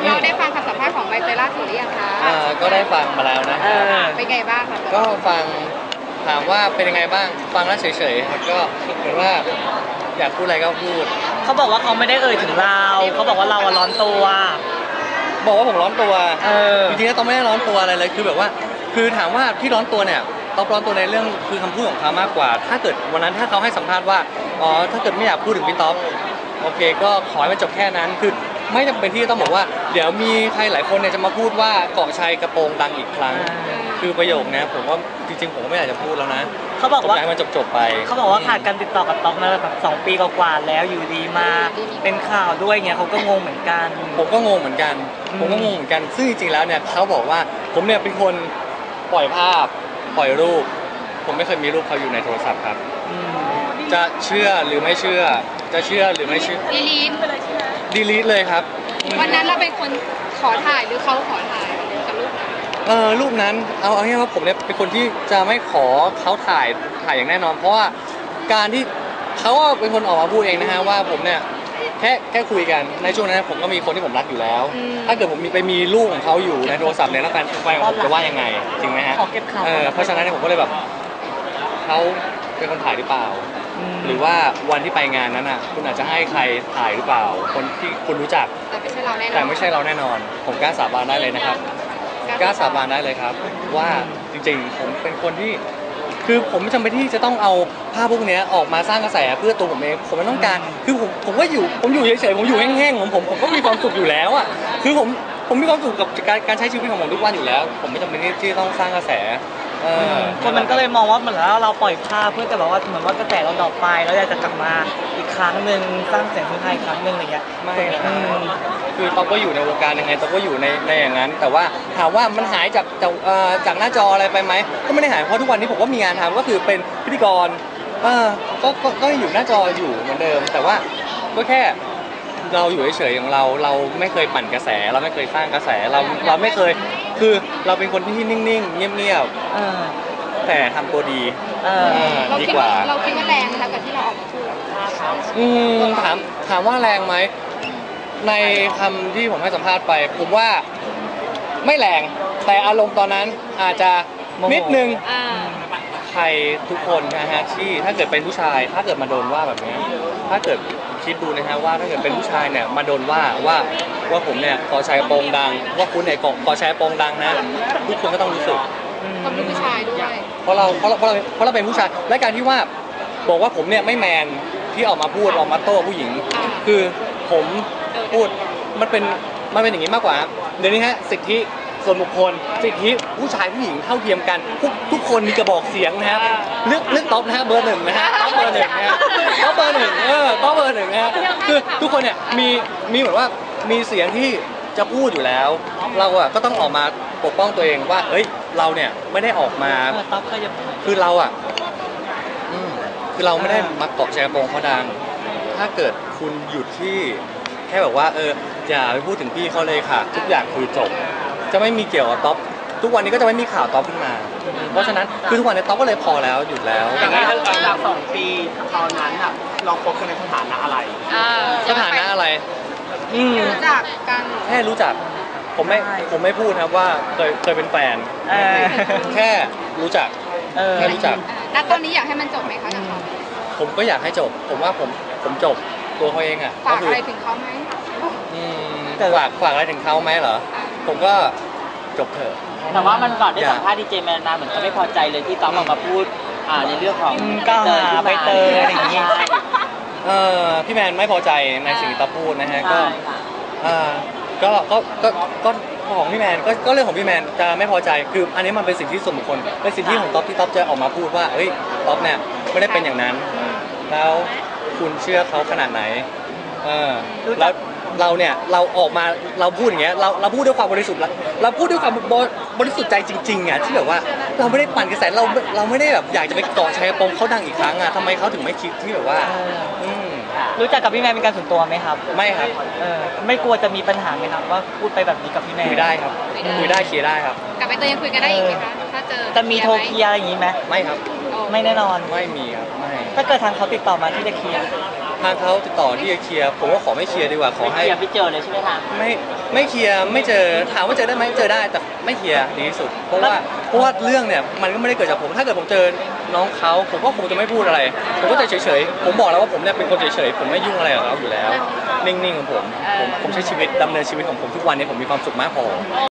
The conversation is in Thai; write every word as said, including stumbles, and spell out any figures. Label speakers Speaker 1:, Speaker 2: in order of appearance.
Speaker 1: เราได้ฟังคำสัมภาษณ์ของใบเตยล่าสุดหรือยังคะ
Speaker 2: อ่าก็ได้ฟังมาแล้วนะ
Speaker 1: เป็นไงบ้างคะ
Speaker 2: ก็ฟังถามว่าเป็นยังไงบ้างฟังแล้วเฉยๆครับก็เหมือนว่าอยากพูดอะไรก็พูด
Speaker 3: เขาบอกว่าเขาไม่ได้เอ่ยถึงเราเขาบอกว่าเราร้อนตัว
Speaker 2: บอกว่าผมร้อนตัว
Speaker 3: เออ
Speaker 2: จริงๆแล้วต้องไม่ได้ร้อนตัวอะไรเลยคือแบบว่าคือถามว่าที่ร้อนตัวเนี่ยต้องร้อนตัวในเรื่องคือคำพูดของเขามากกว่าถ้าเกิดวันนั้นถ้าเขาให้สัมภาษณ์ว่าอ๋อถ้าเกิดไม่อยากพูดถึงพี่ต๊อบโอเคก็ขอให้มันจบแค่นั้นคือไม่จำเป็นที่ต้องบอกว่าเดี๋ยวมีใครหลายคนเนี่ยจะมาพูดว่าเกาะชัยกระโปรงดังอีกครั้งคือประโยคนี้ผมว่าจริงๆผมก็ไม่อยากจะพูดแล้วนะ
Speaker 3: เขาบอกว่า
Speaker 2: ให้มันจบๆไป
Speaker 3: เขาบอกว่าขาดการติดต่อกับต๊อบมาแบบสองปีกว่าๆแล้วอยู่ดีมาเป็นข่าวด้วยเงี้ยเขาก็งงเหมือนกัน
Speaker 2: ผมก็งงเหมือนกันผมก็งงเหมือนกันซึ่งจริงๆแล้วเนี่ยเขาบอกว่าผมเนี่ยเป็นคนปล่อยภาพปล่อยรูปผมไม่เคยมีรูปเขาอยู่ในโทรศัพท์ครับจะเชื่อหรือไม่เชื่อจะเชื่อหรือไม่เชื่อ
Speaker 1: ดีลีทไปเลยใช่ไหม
Speaker 2: ดีลีทเลยครับ
Speaker 1: วันนั้นเราเป็นคนขอถ่ายหรือเขาขอถ่ายกับรูปนั้น
Speaker 2: เออรูปนั้นเอาเอาง่ายๆว่าผมเนี่ยเป็นคนที่จะไม่ขอเขาถ่ายถ่ายอย่างแน่นอนเพราะว่าการที่เขาเป็นคนออกมาพูดเองนะฮะว่าผมเนี่ยแค่แค่คุยกันในช่วงนั้นผมก็มีคนที่ผมรักอยู่แล้วถ้าเกิดผมมีไปมีลูกของเขาอยู่ในโทรศัพท์เนี่ยแล้วแฟนแฟนผมจะว่ายังไงจริงไหมฮะเออเพราะฉะนั้นผมก็เลยแบบเขาเป็นคนถ่ายหรือเปล่าหรือว่าวันที่ไปงานนั้นอ่ะคุณอาจจะให้ใครถ่ายหรือเปล่าคนที่คุณรู้จัก
Speaker 1: แต่ไม่ใช่เราแน่นอน
Speaker 2: แต่ไม่ใช่เราแน่นอนผมกล้าสาบานได้เลยนะครับกล้าสาบานได้เลยครับว่าจริงๆผมเป็นคนที่คือผมไม่จำเป็นที่จะต้องเอาภาพพวกนี้ออกมาสร้างกระแสเพื่อตัวผมเองผมไม่ต้องการคือผมผมก็อยู่ผมอยู่เฉยๆผมอยู่แห้งๆของผมผมก็มีความสุขอยู่แล้วอ่ะคือผมผมมีความสุขกับการการใช้ชีวิตของผมทุกวันอยู่แล้วผมไม่จำเป็นที่ต้องสร้างกระแส
Speaker 3: คนมันก็เลยมองว่าเหมือนแล้วเราปล่อยภาพเพื่อจะแบบว่าเหมือนว่ากระแสเราดรอปไปแล้วอยากจะกลับมาอีกครั้งหนึ่งสร้างเสียงฮือฮาอีกครั้งหนึ่งอะไรเงี้ย
Speaker 2: ไม่คือต๊อบก็อยู่ในวงการยังไงต๊อบก็อยู่ในในอย่างนั้นแต่ว่าถามว่ามันหายจากจากจากหน้าจออะไรไปไหมก็ไม่ได้หายเพราะทุกวันนี้ผมก็มีงานทำก็คือเป็นพิธีกรเออก็ก็อยู่หน้าจออยู่เหมือนเดิมแต่ว่าก็แค่เราอยู่เฉยๆของเราเราไม่เคยปั่นกระแสเราไม่เคยสร้างกระแสเราเราไม่เคยคือเราเป็นคนที่นิ่งๆเงียบๆแต่ทำตัวดีดีกว่า
Speaker 1: เราคิดว่าแรงนะคะกับที่เราออกมาพูด
Speaker 2: อืมถามถามว่าแรงไหมในคำที่ผมให้สัมภาษณ์ไปผมว่าไม่แรงแต่อารมณ์ตอนนั้นอาจจะนิดนึงใครทุกคนนะฮะที่ถ้าเกิดเป็นผู้ชายถ้าเกิดมาโดนว่าแบบนี้ถ้าเกิดคิดดูนะฮะว่าถ้าเกิดเป็นผู้ชายเนี่ยมาโดนว่าว่าว่าผมเนี่ยขอใช้โปงดังว่าคุณเนี่ยขอใช้โปงดังนะทุกคนก็ต้องรู้สึก
Speaker 1: ต้องเป็นผู้ชายด้วย
Speaker 2: เพราะเราเพราะเราเพราะเราเพราะเราเป็นผู้ชายและการที่ว่าบอกว่าผมเนี่ยไม่แมนที่ออกมาพูดออกมาโต้ผู้หญิงคือผมพูดมันเป็นมันเป็นอย่างนี้มากกว่าเดี๋ยวนี้ฮะสิทธิส่วนบุคคลสิทธิผู้ชายผู้หญิงเท่าเทียมกันทุกทุกคนมีกระบอกเสียงนะครับเลือกเลือกท็อปนะฮะเบอร์หนึ่งนะฮะท็อปเบอร์หนึ่งนะฮะท็อปเบอร์หนึ่งเออท็อปเบอร์หนึ่งนะฮะคือทุกคนเนี่ยมีมีเหมือนว่ามีเสียงที่จะพูดอยู่แล้วเราอะก็ต้องออกมาปกป้องตัวเองว่าเฮ้ยเราเนี่ยไม่ได้ออกมาคือเราอะคือเราไม่ได้มาเกาะแชร์โปงเขาดังถ้าเกิดคุณหยุดที่แค่แบบว่าเอออย่าไปพูดถึงพี่เขาเลยค่ะทุกอย่างคือจบจะไม่มีเกี่ยวกับท็อปทุกวันนี้ก็จะไม่มีข่าวท็อปขึ้นมาเพราะฉะนั้นคือทุกวันนี้ท็อปก็เลยพอแล้วหยุดแล้ว
Speaker 4: อย่างนี้ตั้งแต่สองปีตอนนั้นอ่ะเราคบกันในสถานะอะไร
Speaker 2: สถานะอะไร
Speaker 1: รู้จักกัน
Speaker 2: แค่รู้จักผมไม่ผมไม่พูดครับว่าเคยเคยเป็นแฟนแค่รู้จักแค่รู้จัก
Speaker 1: แล้วตอนนี้อยากให้มันจบไหมคะกับเขา
Speaker 2: ผมก็อยากให้จบผมว่าผมผมจบตัวเขาเองอ่ะ
Speaker 1: ฝากอะไรถึงเขาไหม
Speaker 2: ฝากฝากอะไรถึงเขาไหมเหรอผมก็จบเถอะ
Speaker 3: แต่ว่ามันก่อนได้สัมภาษณ์ดีเจแมนนาเหมือนเขาไม่พอใจเลยที่ต๊อบออกมาพูดอ่าในเรื่องของก้าวหาใบเตยอะไรอย่างเงี้ย
Speaker 2: เออพี่แมนไม่พอใจในสิ่งที่ต๊อบพูดนะฮะก็อ่าก็ก็ก็ก็ของพี่แมนก็ก็เรื่องของพี่แมนจะไม่พอใจคืออันนี้มันเป็นสิ่งที่ส่วนบุคคลเป็นสิ่งที่ของต๊อบที่ต๊อบจะออกมาพูดว่าเฮ้ยต๊อบเนี่ยไม่ได้เป็นอย่างนั้นแล้วคุณเชื่อเขาขนาดไหนเออแล้วเราเนี่ยเราออกมาเราพูดอย่างเงี้ยเราเราพูดด้วยความบริสุทธิ์เราพูดด้วยความบริสุทธิ์ใจจริงๆอ่ะที่แบบว่าเราไม่ได้ปั่นกระแสเราเราไม่ได้แบบอยากจะไปเกาะแชร์ปมเขาดังอีกครั้งอ่ะทำไมเขาถึงไม่คิดที่แบบว่า
Speaker 3: รู้จักกับพี่แมนเป็นการส่วนตัวไหมครับ
Speaker 2: ไม่ครับ
Speaker 3: เออไม่กลัวจะมีปัญหาไหมครับว่าพูดไปแบบนี้กับพี่แมน
Speaker 2: คุยได้ครับคุยได้เคลียร์ได้ครับ
Speaker 1: กับใบเตยยังคุยกันได้อีกไหมคะถ้าเจอ
Speaker 3: จะมีโทรเคลียร์อะไรอย่างนี้ไหม
Speaker 2: ไม่ครับ
Speaker 3: ไม่แน่นอน
Speaker 2: ไม่มีครับไม่
Speaker 3: ถ้าเกิดทางเขาติดต่อมาที่จะเคลียร์
Speaker 2: ทางเขาติดต่อที่จะเคลียร์ผมก็ขอไม่เคลียร์ดีกว่าขอให้
Speaker 3: อย่าไปเจอเลยใช่ไหมคะ
Speaker 2: ไม่ไม่เคลียร์ไม่เจอถามว่าเจอได้ไหมเจอได้แต่ไม่เคลียร์ดีที่สุด เพราะว่าเพราะว่าเรื่องเนี่ยมันก็ไม่ได้เกิดจากผมถ้าเกิดผมเจอน้องเขาผมก็คงจะไม่พูดอะไร ผมก็จะเฉยๆผมบอกแล้วว่าผมเนี่ยเป็นคนเฉยๆผมไม่ยุ่งอะไรกับเขาอยู่แล้ว นิ่งๆของผมผมผมใช้ชีวิตดำเนินชีวิตของผมทุกวันนี้ผมมีความสุขมากพอ